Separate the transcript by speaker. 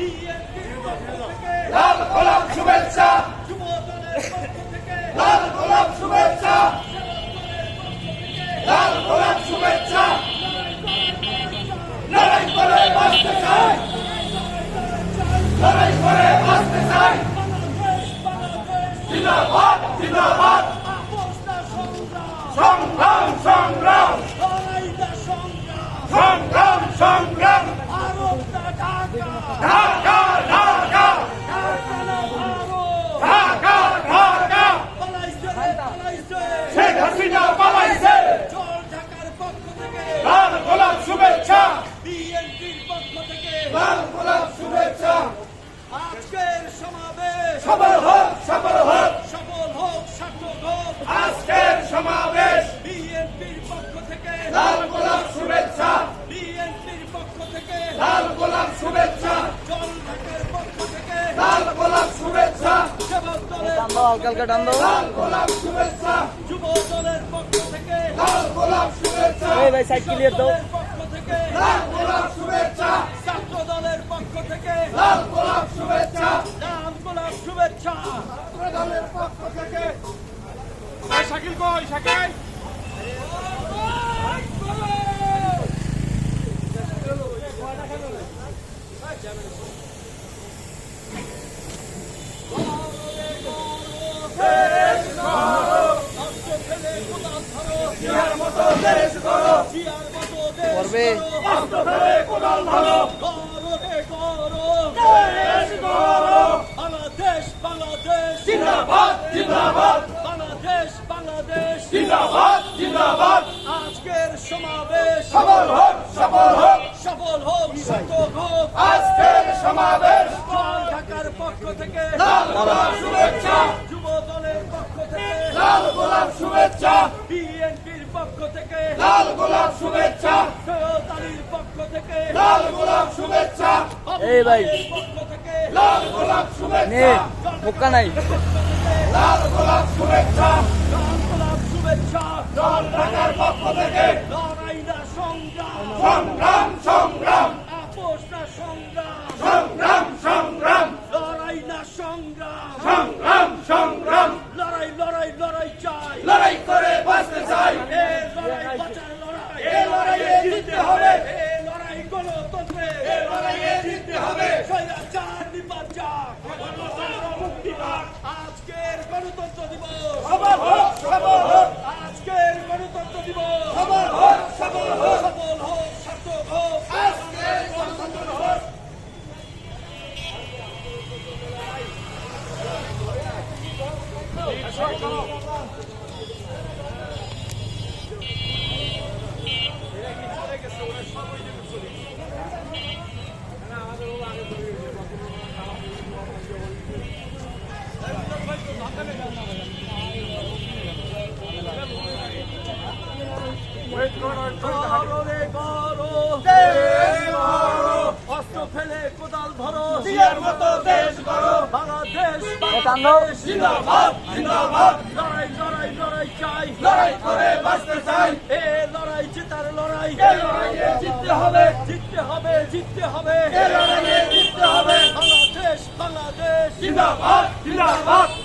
Speaker 1: লাল গোলাপ শুভেচ্ছা, লাল গোলাপ শুভেচ্ছা, লাল গোলাপ শুভেচ্ছা। লড়াই করে বাঁচতে চাই, লড়াই করে বাঁচতে চাই। জিন্দাবাদ জিন্দাবাদ, সংগ্রাম সংগ্রাম, সংগ্রাম সংগ্রাম। ঢাকা ঢাকা ঢাকা ঢাকা, শেখ হাসিনা পালাইছে। লাল গোলাপ শুভেচ্ছা, লাল গোলাপ শুভেচ্ছা।
Speaker 2: আজকের সমাবেশ
Speaker 1: সফল হোক, সফল হোক,
Speaker 2: সফল হোক, সার্থক হোক।
Speaker 1: আজকের সমাবেশ।
Speaker 2: বিএনপির পক্ষ থেকে
Speaker 1: লাল গোলাপ শুভেচ্ছা,
Speaker 2: বিএনপির পক্ষ থেকে
Speaker 1: লাল গোলাপ শুভেচ্ছা,
Speaker 2: জল ঢাকার পক্ষ থেকে
Speaker 1: লাল গোলাপ শুভেচ্ছা,
Speaker 2: সেবক দলের
Speaker 1: লাল গোলাপ শুভেচ্ছা,
Speaker 2: যুব দলের পক্ষ থেকে
Speaker 1: লাল গোলাপ শুভেচ্ছা,
Speaker 2: দলের পক্ষ থেকে
Speaker 1: লাল গোলাপ শুভেচ্ছা,
Speaker 2: ছাত্র দলের পক্ষ থেকে
Speaker 1: লাল গোলাপ শুভেচ্ছা,
Speaker 2: লাল গোলাপ শুভেচ্ছা।
Speaker 1: ছাত্র দলের পক্ষ থেকে।
Speaker 3: শাকিল কই শাকিল
Speaker 1: জিয়ার মতো দেশ গড়ো,
Speaker 2: জিয়ার মতো দেশ
Speaker 4: করবে।
Speaker 2: গড়ো।
Speaker 1: অস্ত্র ফেলে কোদাল ধরো,
Speaker 2: গড়ো রে গড়ো।
Speaker 1: দেশ গড়ো।
Speaker 2: বাংলাদেশ বাংলাদেশ
Speaker 1: জিন্দাবাদ জিন্দাবাদ,
Speaker 2: বাংলাদেশ বাংলাদেশ।
Speaker 1: জিন্দাবাদ জিন্দাবাদ।
Speaker 2: আজকের সমাবেশ
Speaker 1: সফল হোক, সফল হোক,
Speaker 2: সফল হোক, সার্থক হোক।
Speaker 1: আজকের সমাবেশ।
Speaker 2: জল ঢাকার পক্ষ থেকে
Speaker 1: লাল গোলাপ শুভেচ্ছা,
Speaker 2: যুব দলের পক্ষ থেকে
Speaker 1: লাল গোলাপ শুভেচ্ছা,
Speaker 2: বিএনপির পক্ষ থেকে
Speaker 1: লাল গোলাপ শুভেচ্ছা,
Speaker 2: সৈয়দ আলীর পক্ষ থেকে
Speaker 1: লাল গোলাপ শুভেচ্ছা,
Speaker 4: এই ভাই।
Speaker 2: পক্ষ থেকে
Speaker 1: লাল গোলাপ শুভেচ্ছা,
Speaker 4: নে মুক্কা নাই
Speaker 1: লাল গোলাপ শুভেচ্ছা,
Speaker 2: লাল গোলাপ শুভেচ্ছা।
Speaker 1: জল ঢাকার পক্ষ থেকে
Speaker 2: লড়াই না সংগ্রাম,
Speaker 1: সংগ্রাম সংগ্রাম,
Speaker 2: আপোষ না সংগ্রাম,
Speaker 1: সংগ্রাম সংগ্রাম,
Speaker 2: লড়াই না সংগ্রাম।
Speaker 1: সংগ্রাম সংগ্রাম।
Speaker 2: লড়াই লড়াই লড়াই চাই,
Speaker 1: লড়াই করে বাঁচতে চাই,
Speaker 2: এ লড়াই বাঁচার লড়াই,
Speaker 1: এ লড়াইয়ে জিততে হবে,
Speaker 2: এ লড়াই গণতন্ত্রে,
Speaker 1: এ লড়াইয়ে জিততে হবে।
Speaker 2: স্বৈরাচার নির্বাচন, মুক্তি পাক। আজকের গণতন্ত্র দিবস,
Speaker 1: সফল হোক, সফল হোক,
Speaker 2: আজকের গণতন্ত্র দিবস,
Speaker 1: সফল হোক, সফল হোক,
Speaker 2: সফল হোক, সার্থক হোক।
Speaker 1: আজকের গণতন্ত্র দিবস।
Speaker 2: গড়ো রে গড়ো,
Speaker 1: দেশ গড়ো,
Speaker 2: অস্ত্র ফেলে কোদাল ধরো।
Speaker 1: জিয়ার মতো দেশ গড়ো।
Speaker 2: বাংলাদেশ
Speaker 4: টানো।
Speaker 2: বাংলাদেশ।
Speaker 1: জিন্দাবাদ জিন্দাবাদ,
Speaker 2: লড়াই লড়াই লড়াই চাই,
Speaker 1: লড়াই করে বাঁচতে চাই,
Speaker 2: এ লড়াই জেতার লড়াই,
Speaker 1: এ লড়াইয়ে জিততে হবে,
Speaker 2: জিততে হবে জিততে হবে।
Speaker 1: এ লড়াইয়ে জিততে হবে।
Speaker 2: বাংলাদেশ বাংলাদেশ।
Speaker 1: জিন্দাবাদ জিন্দাবাদ,